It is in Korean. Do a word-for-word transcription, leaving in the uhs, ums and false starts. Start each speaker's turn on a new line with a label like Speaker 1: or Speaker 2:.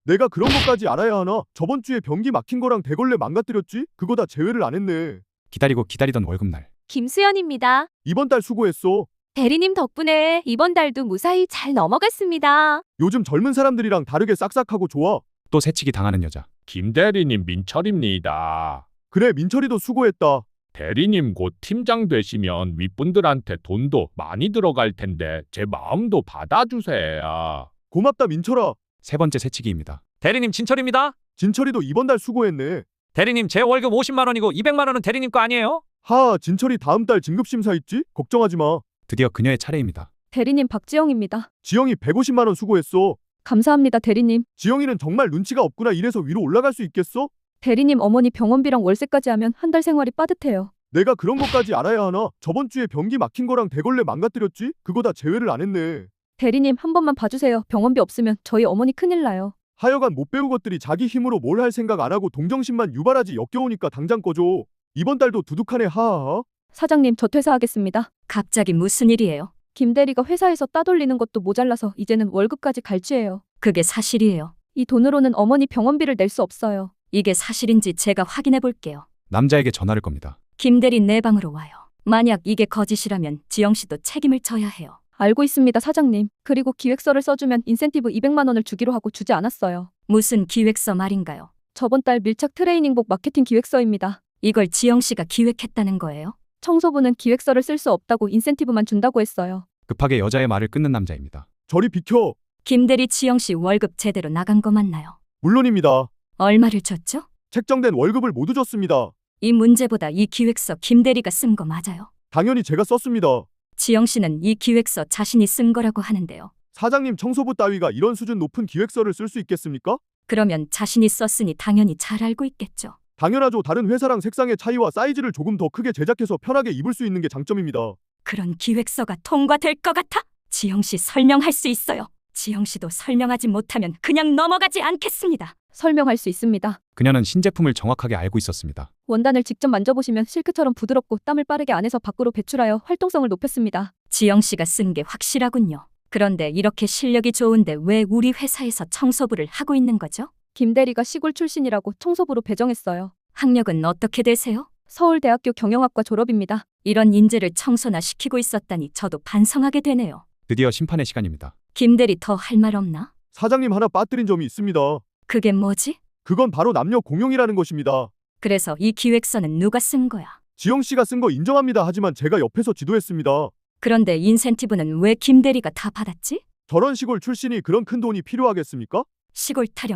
Speaker 1: 내가 그런 것까지 알아야 하나? 저번 주에 변기 막힌 거랑 대걸레 망가뜨렸지? 그거 다 제외를 안 했네.
Speaker 2: 기다리고 기다리던 월급날.
Speaker 3: 김수연입니다.
Speaker 1: 이번 달 수고했어.
Speaker 3: 대리님 덕분에 이번 달도 무사히 잘 넘어갔습니다.
Speaker 1: 요즘 젊은 사람들이랑 다르게 싹싹하고 좋아.
Speaker 2: 또 새치기 당하는 여자.
Speaker 4: 김 대리님 민철입니다.
Speaker 1: 그래, 민철이도 수고했다.
Speaker 4: 대리님 곧 팀장 되시면 윗분들한테 돈도 많이 들어갈 텐데 제 마음도 받아주세요.
Speaker 1: 고맙다, 민철아.
Speaker 2: 세 번째 새치기입니다.
Speaker 5: 대리님 진철입니다.
Speaker 1: 진철이도 이번 달 수고했네.
Speaker 5: 대리님 제 월급 오십만 원이고 이백만 원은 대리님 거 아니에요?
Speaker 1: 하, 진철이 다음 달 진급심사 있지? 걱정하지 마.
Speaker 2: 드디어 그녀의 차례입니다.
Speaker 3: 대리님 박지영입니다.
Speaker 1: 지영이 백오십만 원 수고했어.
Speaker 3: 감사합니다, 대리님.
Speaker 1: 지영이는 정말 눈치가 없구나. 이래서 위로 올라갈 수 있겠어?
Speaker 3: 대리님 어머니 병원비랑 월세까지 하면 한 달 생활이 빠듯해요.
Speaker 1: 내가 그런 것까지 알아야 하나? 저번 주에 변기 막힌 거랑 대걸레 망가뜨렸지? 그거 다 제외를 안 했네.
Speaker 3: 대리님 한 번만 봐주세요. 병원비 없으면 저희 어머니 큰일 나요.
Speaker 1: 하여간 못 배운 것들이 자기 힘으로 뭘 할 생각 안 하고 동정심만 유발하지. 역겨우니까 당장 꺼줘. 이번 달도 두둑하네. 하하하.
Speaker 3: 사장님 저 퇴사하겠습니다.
Speaker 6: 갑자기 무슨 일이에요?
Speaker 3: 김 대리가 회사에서 따돌리는 것도 모자라서 이제는 월급까지 갈취해요.
Speaker 6: 그게 사실이에요.
Speaker 3: 이 돈으로는 어머니 병원비를 낼 수 없어요.
Speaker 6: 이게 사실인지 제가 확인해 볼게요.
Speaker 2: 남자에게 전화를 겁니다.
Speaker 6: 김대리 내 방으로 와요. 만약 이게 거짓이라면 지영 씨도 책임을 져야 해요.
Speaker 3: 알고 있습니다, 사장님. 그리고 기획서를 써주면 인센티브 이백만 원을 주기로 하고 주지 않았어요.
Speaker 6: 무슨 기획서 말인가요?
Speaker 3: 저번 달 밀착 트레이닝복 마케팅 기획서입니다.
Speaker 6: 이걸 지영 씨가 기획했다는 거예요?
Speaker 3: 청소부는 기획서를 쓸 수 없다고 인센티브만 준다고 했어요.
Speaker 2: 급하게 여자의 말을 끊는 남자입니다.
Speaker 1: 저리 비켜.
Speaker 6: 김대리 지영 씨 월급 제대로 나간 거 맞나요?
Speaker 1: 물론입니다.
Speaker 6: 얼마를 줬죠?
Speaker 1: 책정된 월급을 모두 줬습니다.
Speaker 6: 이 문제보다 이 기획서 김대리가 쓴 거 맞아요?
Speaker 1: 당연히 제가 썼습니다.
Speaker 6: 지영 씨는 이 기획서 자신이 쓴 거라고 하는데요.
Speaker 1: 사장님, 청소부 따위가 이런 수준 높은 기획서를 쓸 수 있겠습니까?
Speaker 6: 그러면 자신이 썼으니 당연히 잘 알고 있겠죠.
Speaker 1: 당연하죠. 다른 회사랑 색상의 차이와 사이즈를 조금 더 크게 제작해서 편하게 입을 수 있는 게 장점입니다.
Speaker 6: 그런 기획서가 통과될 것 같아? 지영 씨 설명할 수 있어요. 지영 씨도 설명하지 못하면 그냥 넘어가지 않겠습니다.
Speaker 3: 설명할 수 있습니다.
Speaker 2: 그녀는 신제품을 정확하게 알고 있었습니다.
Speaker 3: 원단을 직접 만져보시면 실크처럼 부드럽고 땀을 빠르게 안에서 밖으로 배출하여 활동성을 높였습니다.
Speaker 6: 지영 씨가 쓴 게 확실하군요. 그런데 이렇게 실력이 좋은데 왜 우리 회사에서 청소부를 하고 있는 거죠?
Speaker 3: 김 대리가 시골 출신이라고 청소부로 배정했어요.
Speaker 6: 학력은 어떻게 되세요?
Speaker 3: 서울대학교 경영학과 졸업입니다.
Speaker 6: 이런 인재를 청소나 시키고 있었다니 저도 반성하게 되네요.
Speaker 2: 드디어 심판의 시간입니다.
Speaker 6: 김대리 더 할 말 없나?
Speaker 1: 사장님, 하나 빠뜨린 점이 있습니다.
Speaker 6: 그게 뭐지?
Speaker 1: 그건 바로 남녀 공용이라는 것입니다.
Speaker 6: 그래서 이 기획서는 누가 쓴 거야?
Speaker 1: 지영 씨가 쓴 거 인정합니다. 하지만 제가 옆에서 지도했습니다.
Speaker 6: 그런데 인센티브는 왜 김대리가 다 받았지?
Speaker 1: 저런 시골 출신이 그런 큰 돈이 필요하겠습니까?
Speaker 6: 시골 타령